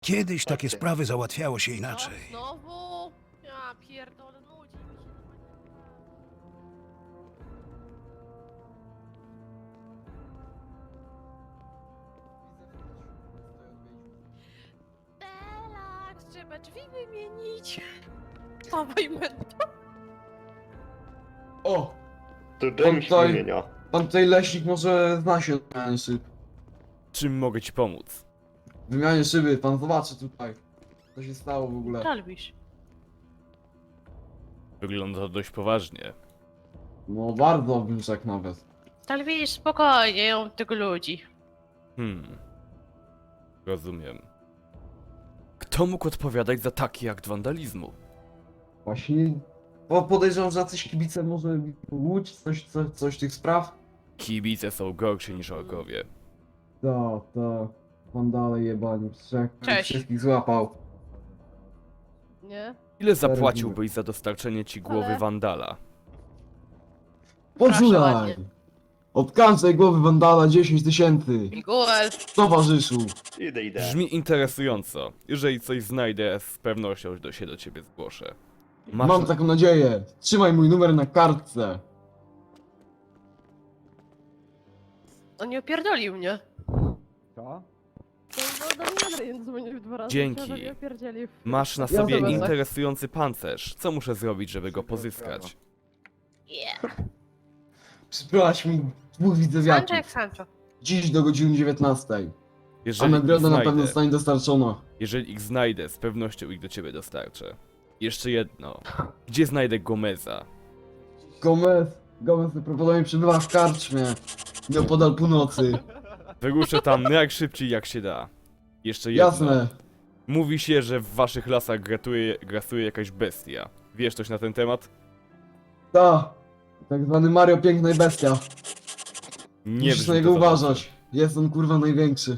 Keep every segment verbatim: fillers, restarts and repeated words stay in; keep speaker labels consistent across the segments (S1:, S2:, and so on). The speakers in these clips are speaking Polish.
S1: Kiedyś takie sprawy załatwiało się inaczej.
S2: No, znowu? Ja pierdolę, nudzi mi się. Relax, trzeba drzwi wymienić. Dawaj, mento.
S3: O!
S4: To
S3: Pan
S4: James
S3: tutaj-
S4: wymienia.
S3: Pan tutaj leśnik może zna się na wymianie szyb.
S5: Czym mogę ci pomóc?
S3: Wymianie szyby, pan zobaczy tutaj. Co się stało w ogóle.
S2: Talbisz.
S5: Wygląda to dość poważnie.
S3: No bardzo bym rzekł nawet.
S2: Talbisz, spokojnie, ją tego ludzi.
S5: Hmm. Rozumiem. Kto mógł odpowiadać za taki akt wandalizmu?
S3: Właśnie... Bo podejrzewam, że jacyś kibice może łódź, coś, coś, coś tych spraw.
S5: Kibice są gorsi niż orkowie.
S3: To, to... Pan dalej jebani, wszak
S2: Cześć.
S3: wszystkich złapał.
S2: Nie?
S5: Ile zapłaciłbyś za dostarczenie ci głowy
S2: Ale-
S5: wandala?
S2: Proszę
S3: Poczulaj!
S2: ładnie.
S3: Od każdej głowy wandala dziesięć tysięcy.
S2: Miguel.
S3: Towarzyszu!
S4: Idę, idę.
S5: Brzmi interesująco. Jeżeli coś znajdę, z pewnością do się do ciebie zgłoszę. Masz...
S3: Mam taką nadzieję. Trzymaj mój numer na kartce.
S2: On nie opierdolił mnie.
S3: Co?
S2: No, no, no, Adrian dzwonił dwa razy.
S5: Dzięki.
S2: że mnie opierdzielił.
S5: Masz na
S3: Ja
S5: sobie
S3: zobaczę.
S5: interesujący pancerz. Co muszę zrobić, żeby go pozyskać?
S2: Yeah.
S3: Przybrałaś mi dwóch
S2: Sancho
S3: widzewiaków.
S2: jak Sancho.
S3: Dziś do godziny dziewiętnastej. A
S5: Jeżeli ich
S3: nagroda na pewno
S5: znajdę,
S3: zostanie dostarczona.
S5: jeżeli ich znajdę, z pewnością ich do ciebie dostarczę. Jeszcze jedno. Gdzie znajdę Gomeza?
S3: Gomez, Gomez prawdopodobnie przebywa w karczmie. Nieopodal północy.
S5: Wyruszę tam najszybciej jak się da. Jeszcze jedno.
S3: Jasne.
S5: Mówi się, że w waszych lasach gratuje, grasuje jakaś bestia. Wiesz coś na ten temat?
S3: Ta. Tak zwany Mario Piękna i Bestia.
S5: Nie
S3: Musisz
S5: brzmi
S3: na niego
S5: to za dobrze.
S3: uważać. Jest on kurwa największy.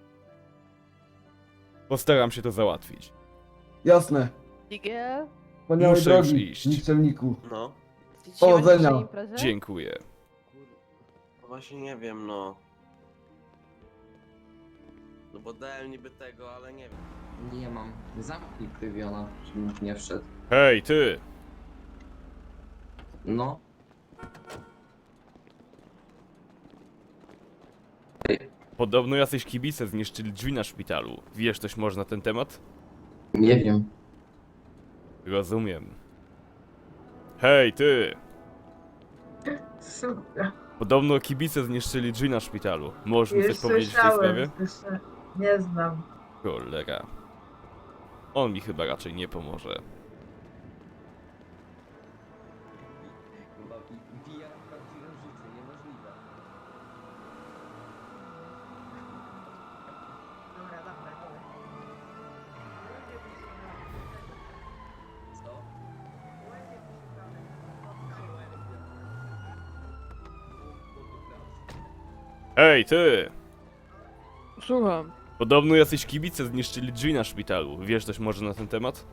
S5: Postaram się to załatwić.
S3: Jasne.
S2: Miguel.
S3: Wspaniałej
S5: Muszę już
S3: drogi,
S5: iść.
S3: nikczemniku.
S6: No,
S2: Dzisiaj
S3: Powodzenia.
S2: będziesz na imprezie?
S5: Dziękuję.
S6: no właśnie nie wiem, no. No bo dałem niby tego, ale nie wiem.
S7: Nie mam. Zamknij prywiona, żebym nie wszedł.
S5: Hej, ty!
S7: No.
S5: Podobno jacyś kibice zniszczyli drzwi na szpitalu. Wiesz coś może na ten temat?
S7: Nie wiem.
S5: Rozumiem. Hej, ty!
S8: Super.
S5: Podobno kibice zniszczyli drzwi na szpitalu. Możesz mi
S8: Już
S5: coś powiedzieć w tej sprawie?
S8: słyszałem, słyszę. Nie znam.
S5: Cholera. On mi chyba raczej nie pomoże.
S7: Chyba wbija w prawdziwe życie, niemożliwe.
S8: Dobra, dobra, dobra.
S7: Co?
S5: Hej, ty!
S2: Słucham.
S5: Podobno jacyś kibice zniszczyli drzwi na szpitalu. Wiesz coś może na ten temat?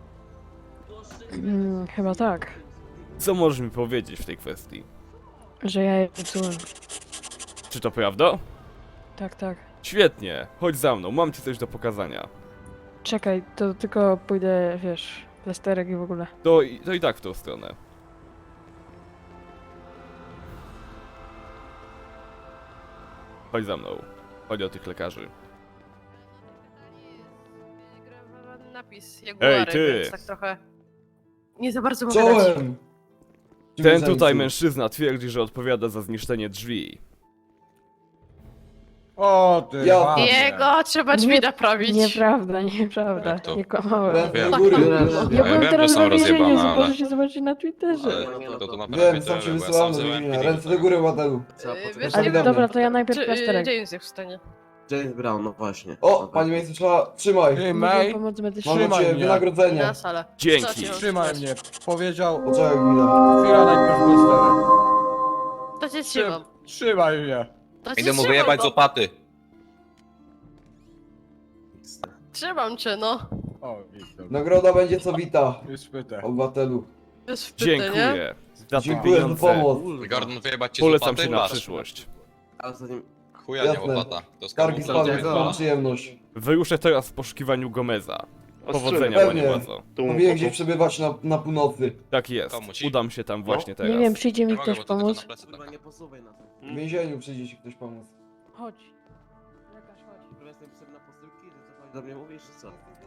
S9: Mm, chyba tak,
S5: Co możesz mi powiedzieć w tej kwestii?
S9: że ja je psułem.
S5: Czy to prawda?
S9: Tak, tak.
S5: Świetnie, chodź za mną, mam ci coś do pokazania.
S9: Czekaj, to tylko pójdę, wiesz, plasterek i w ogóle.
S5: To, i- to i tak w tą stronę. Chodź za mną. Chodź o tych lekarzy.
S2: Napis Jaguary,
S5: ty!
S2: więc tak trochę... Nie za bardzo mogę dać.
S3: Czołem!
S5: Ten tutaj mężczyzna twierdzi, że odpowiada za zniszczenie drzwi.
S10: O ty
S3: Ja-
S10: babie.
S2: Jego trzeba drzwi
S9: Nie-
S2: naprawić.
S9: Nieprawda, nieprawda.
S11: Jak to?
S9: Nie kłamałem.
S3: Ręce do
S11: Wiem.
S3: góry.
S9: Ja
S11: Ja
S9: byłem
S11: wiem, że
S9: teraz
S11: są
S9: na więzieniu,
S11: rozjebane, ale-
S9: możecie zobaczyć na Twitterze.
S11: Ale to, to
S3: Wiem,
S11: naprawdę
S3: sam się
S11: tyle, bo ja
S3: wysyłałem
S11: sam
S3: do
S11: zająłem
S3: więzienia.
S11: pilnik,
S3: Ręce do
S11: tak.
S3: góry, Ładelu.
S6: Co,
S2: Yy,
S6: poczekaj,
S2: wiesz,
S9: Ale
S2: nie
S3: wiem.
S9: dobra, to ja najpierw
S2: Czy,
S9: plasterek.
S2: James jest w stanie.
S6: James Brown, no właśnie.
S3: O,
S6: Dobra.
S3: panie miejscu trzeba... Trzymaj.
S10: Ty,
S9: Mogę
S10: May,
S9: pomóc medyczną.
S3: Mam dla
S10: Trzymaj
S3: ciebie
S10: mnie.
S3: wynagrodzenie.
S2: Na salę.
S5: Dzięki.
S2: Co ci mam
S10: trzymaj
S2: trzymać?
S10: mnie. Powiedział...
S3: Poczekaj chwilę.
S10: Chwila, najpierw plasterek.
S2: To cię trzymam.
S10: Trzymaj mnie.
S2: To cię
S11: Idę mu
S2: trzymam,
S11: wyjebać
S2: no.
S11: z opaty.
S2: Trzymam cię, no.
S10: O, widzę.
S3: Nagroda będzie co wita,
S10: Już pytę.
S3: obywatelu.
S2: Jest wpyty, nie?
S5: Dziękuję. Za te
S3: Dziękuję za
S5: pieniądze
S3: pomoc.
S11: Gordon wyjebać cię z
S5: polecam
S11: opaty?
S5: się na
S11: Masz.
S5: przyszłość.
S6: Ale zanim...
S4: Chuja nie
S3: Jasne.
S4: łopata. To
S3: Skargi
S4: skarbów
S3: spadły,
S4: nie
S3: mam przyjemność.
S5: Wyruszę teraz w poszukiwaniu Gomeza. Powodzenia,
S3: Pewnie.
S5: panie władzo.
S3: Mówiłem, gdzie przebywać na, na północy.
S5: Tak jest.
S4: Komu ci?
S5: Udam się tam właśnie
S9: Nie
S5: teraz.
S9: wiem, przyjdzie
S4: Nie
S9: mi
S4: mogę,
S9: ktoś
S4: bo to tylko
S9: pomóc.
S4: na plecy
S6: Kurwa,
S4: tak.
S6: nie posuwaj nas.
S3: W więzieniu przyjdzie ci ktoś pomóc.
S9: Chodź. Lekarz, chodź.
S6: Kurwa, jestem psem na posyłki, że co chodzi do mnie mówisz, czy co?